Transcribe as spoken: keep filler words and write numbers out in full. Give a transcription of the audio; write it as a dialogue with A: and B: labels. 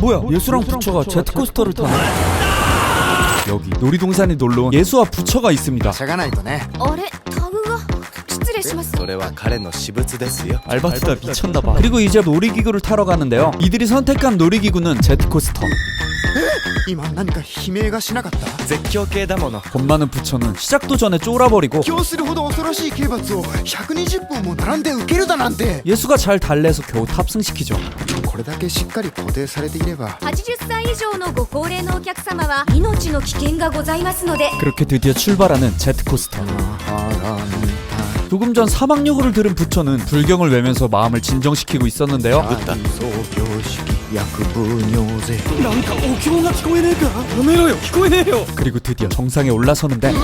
A: 뭐야, 예수랑 부처가 제트코스터를 타네. 여기 놀이동산에 놀러온 예수와 부처가 있습니다.
B: しゃがないとね。
C: あれタグが失礼します。
D: それは彼の私物ですよ。
A: 알바트가 미쳤나봐. 그리고 이제 놀이기구를 타러 가는데요. 이들이 선택한 놀이기구는 제트코스터.
B: 今何か悲鳴がしなかった？
D: 絶叫系だもの。
A: 겁 많은 부처는 시작도 전에 쫄아버리고
B: 今日するほど恐ろしい刑罰をひゃくにじゅっぷんも並んで受けるだなんて。
A: 예수가 잘 달래서 겨우 탑승시키죠.
B: これだけしっかり固定されていれば。
C: はちじゅっさい以上のご高齢のお客様は命の危険がございますので。
A: 그렇게 드디어 출발하는 제트코스터. 조금 전 사막요구를 들은 부처는 불경을 외면서 마음을 진정시키고 있었는데요.
B: 創業式薬部尿税。
A: 그리고 드디어 정상에 올라서는데